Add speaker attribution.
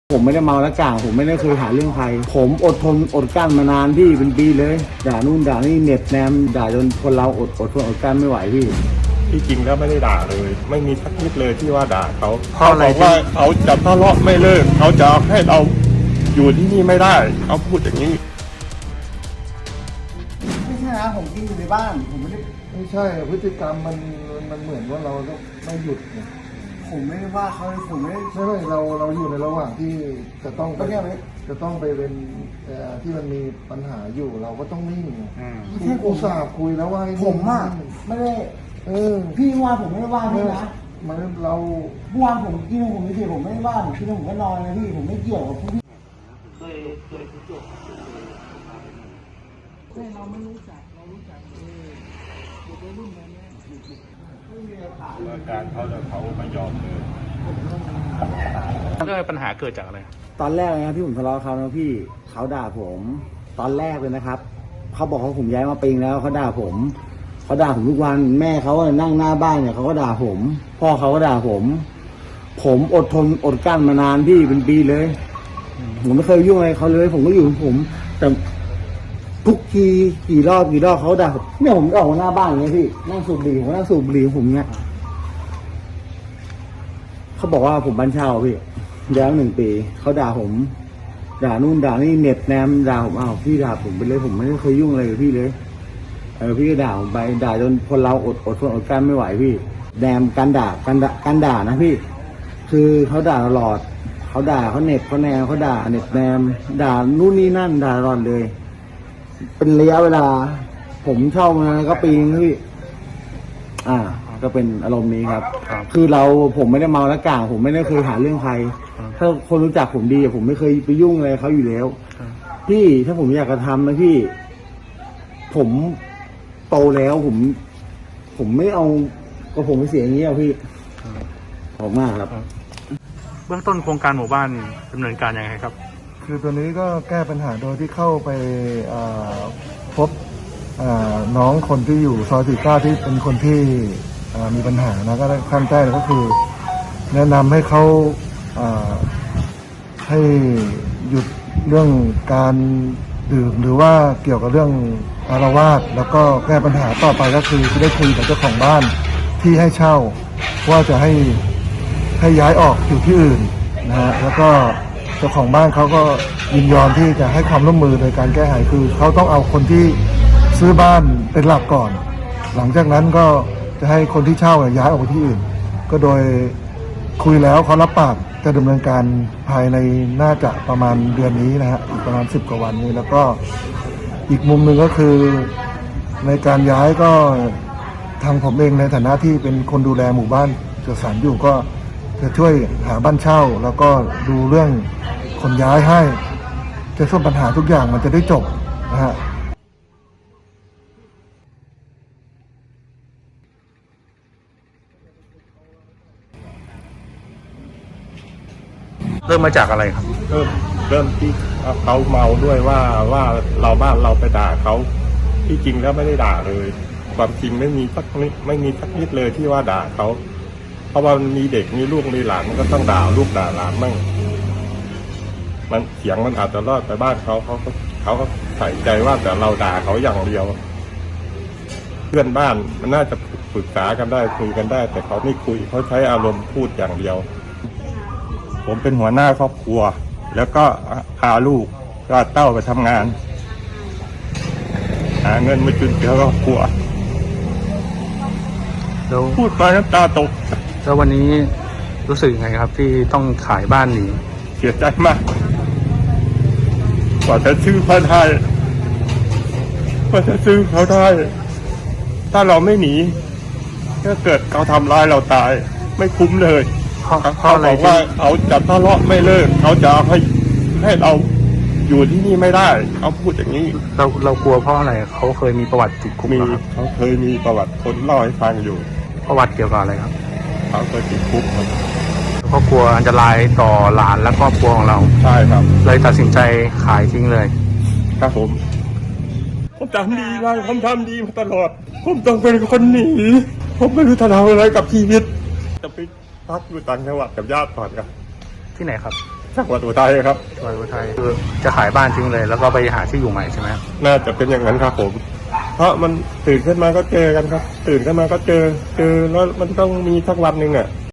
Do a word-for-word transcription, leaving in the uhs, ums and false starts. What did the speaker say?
Speaker 1: ผมไม่ได้เมาแล้วกล่าวผมไม่ได้เคยหาเรื่องใครผมอดทนอดกลั้นมานานพี่เป็นปีเลยด่านู่นด่านี่เน็บแนมด่าจนคนเราอดอดทนอดกลั้นไม่ไหวพี่
Speaker 2: ที่จริงแล้วไม่ได้ด่าเลยไม่มีสักนิดเลยที่ว่าด่าเขาเขาบอกว่าเขาจะทะเลาะไม่เลิกเขาจะให้เราอยู่ที่นี่ไม่ได้เขาพูดอย่างนี้
Speaker 1: ไม่ใช่นะผมกินอยู่ในบ้านผมไม่ได้
Speaker 3: ไม่ใช่พฤติกรรมมันมันเหมือนว่าเราต้องไม่หยุดเนี่ย
Speaker 1: ผมไม่ได้ว่าเขาเลยผมไม่ได้
Speaker 3: ไม่ไม่เราเราอยู่ในระหว่างที่จะต้องไป
Speaker 1: ก็เนี่ยไหม
Speaker 3: จะต้องไปเป็นเอ่อที่มันมีปัญหาอยู่เราก็ต้องนิ่ง
Speaker 1: ไม่ใช่ผม
Speaker 3: อุตส่าห์คุยแล้วว่าให้
Speaker 1: ผมอ่ะไม่ได้
Speaker 3: เออ
Speaker 1: พี่ว่าผมไม่ได้ว่าพี่นะ
Speaker 3: มันเรา
Speaker 1: เมื่อวานผมกินผมไม่เฉยผมไม่ได้ว่าผมกินผมก็นอนนะพี่ผมไม่เกี่ยวกับพวกพี่เคยเคยเกี่ยวเคยเราไม่รู้จักเรารู้จักเออเด็กรุ่นนี้ไม่มี
Speaker 2: อาการเขาแต่เขาไม่ยอมเลย
Speaker 4: เรื่องปัญหาเกิดจากอะไร
Speaker 1: ตอนแรกเลยนะพี่ผมทะเลาะเขานะพี่เขาด่าผมตอนแรกเลยนะครับเขาบอกเขาผมย้ายมาปิงแล้วเขาด่าผมเขาด่าผมทุกวันแม่เขานั่งหน้าบ้านเนี่ยเขาก็ด่าผมพ่อเขาก็ด่าผมผมอดทนอดกลั้นมานานพี่เป็นปีเลยผมไม่เคยยุ่งอะไรเขาเลยผมก็อยู่ของผมแต่ทุกทีกี่รอบกี่รอบเขาด่าผมเนี่ยผมออกมาหน้าบ้านอย่างเงี้ยพี่นั่งสูบบุหรี่ผมนั่งสูบบุหรี่ของผมเงี้ยเขาบอกว่าผมบ้านเช่าพี่ย้ายหนึ่งปีเขาด่าผมด่านู่นด่านี่เน็ตแนมด่าผมอ้าวพี่ด่าผมไปเลยผมไม่ได้เคยยุ่งอะไรกับพี่เลยเออพี่ก็ด่าผมไปด่าจนคนเราอดอดทนอดกลั้นไม่ไหวพี่แนมการด่าการด่าการด่านะพี่คือเขาด่าตลอดเขาด่าเขาเน็ตเขาแนมเขาด่าเน็ตแนมด่านู่นนี่นั่นด่าตลอดเลยเป็นระยะเวลาผมเช่ามาก็ปีนึงพี่อ่าก็เป็นอารมณ์นี้ครับคือเราผมไม่ได้เมาแล้วกล่าวผมไม่ได้เคยหาเรื่องใครถ้าคนรู้จักผมดีผมไม่เคยไปยุ่งอะไรเขาอยู่แล้วพี่ถ้าผมอยากจะทำนะพี่ผมโตแล้วผมผมไม่เอาก็ผมไปเสียอย่างนี้อ่ะพี่ขอบมากครับ
Speaker 4: เบื้องต้นโครงการหมู่บ้านดำเนินการยังไงครับ
Speaker 3: คือตัวนี้ก็แก้ปัญหาโดยที่เข้าไปพบน้องคนที่อยู่ซอยสี่เก้าที่เป็นคนที่มีปัญหานะก็ขั้นแรกก็คือแนะนำให้เขาให้หยุดเรื่องการดื่มหรือว่าเกี่ยวกับเรื่องอารวาสแล้วก็แก้ปัญหาต่อไปก็คือจะได้คุยกับเจ้าของบ้านที่ให้เช่าว่าจะให้ให้ย้ายออกอยู่ที่อื่นนะฮะแล้วก็เจ้าของบ้านเขาก็ยินยอมที่จะให้ความร่วมมือในการแก้ไขคือเขาต้องเอาคนที่ซื้อบ้านเป็นหลักก่อนหลังจากนั้นก็จะให้คนที่เช่าย้ายออกไปที่อื่นก็โดยคุยแล้วเขารับปากจะดำเนินการภายในน่าจะประมาณเดือนนี้นะฮะอีกประมาณสิบกว่าวันนี้แล้วก็อีกมุมหนึ่งก็คือในการย้ายก็ทางผมเองในฐานะที่เป็นคนดูแลหมู่บ้านจัดสรรอยู่ก็จะช่วยหาบ้านเช่าแล้วก็ดูเรื่องคนย้ายให้จะส่วนปัญหาทุกอย่างมันจะได้จบนะฮะ
Speaker 4: เริ่มมาจากอะไรครับ
Speaker 2: เริ่มเริ่มที่เขาเมาด้วยว่าว่าเราบ้านเราไปด่าเขาที่จริงแล้วไม่ได้ด่าเลยความจริงไม่มีสักนิดไม่มีสักนิดเลยที่ว่าด่าเขาเพราะว่ามันมีเด็กมีลูกมีหลานมันก็ต้องด่าลูกด่าหลานมั่งมันเสียงมันอาจจะรอดไปบ้านเขาเขาเขาก็ใส่ใจว่าแต่เราด่าเขาอย่างเดียวเพื่อนบ้านมันน่าจะปรึกษากันได้คุยกันได้แต่เขาไม่คุยเขาใช้อารมณ์พูดอย่างเดียวผมเป็นหัวหน้าครอบครัวแล้วก็พาลูกก็เต้าไปทำงานหาเงินมาจุนเจือครอบครัวพูดไปน้ำตาตก
Speaker 4: แล้ววันนี้รู้สึกยังไงครับที่ต้องขายบ้านหนี
Speaker 2: เสียใจมากกว่าจะซื้อเขาได้กว่าจะซื้อเขาได้ถ้าเราไม่หนีถ้าเกิดเขาทำร้ายเราตายไม่คุ้มเลยเขาบอกว่าเขาจะทะเลาะไม่เลิกเขาจะให้ให้เราอยู่ที่นี่ไม่ได้เขาพูดอย่างนี้
Speaker 4: เราเรากลัวเพราะอะไรเขาเคยมีประวัติติดคุก
Speaker 2: มีเขาเคยมีประวัติคนเล่าให้ฟังอยู่
Speaker 4: ประวัติเกี่ยวกับอะไรครับ
Speaker 2: เขาเคยติดคุกครับ
Speaker 4: แล้วก็กลัวอันตรายต่อหลานและครอบครัวของเรา
Speaker 2: ใช่ครับ
Speaker 4: เลยตัดสินใจขายทิ้งเลย
Speaker 2: ครับผมผมทำดีมาผมทำดีมาตลอดผมต้องเป็นคนหนีผมไม่รู้จะทำอะไรกับชีวิตจะไปพักอยู่ต่างจังหวัดกับญาติก่อนครับ
Speaker 4: ที่ไหนครับ
Speaker 2: จังหวัดอุทัยครับ
Speaker 4: จังหวัดอุทัยคือจะขายบ้านทิ้งเลย แล้วก็ไปหาที่อยู่ใหม่ใช่ไหมครับ
Speaker 2: น่าจะเป็นอย่างนั้นครับผม เพราะมันตื่นขึ้นมาก็เจอกันครับ ตื่นขึ้นมาก็เจอ เจอแล้วมันต้องมีสักวันหนึ่งอ่ะ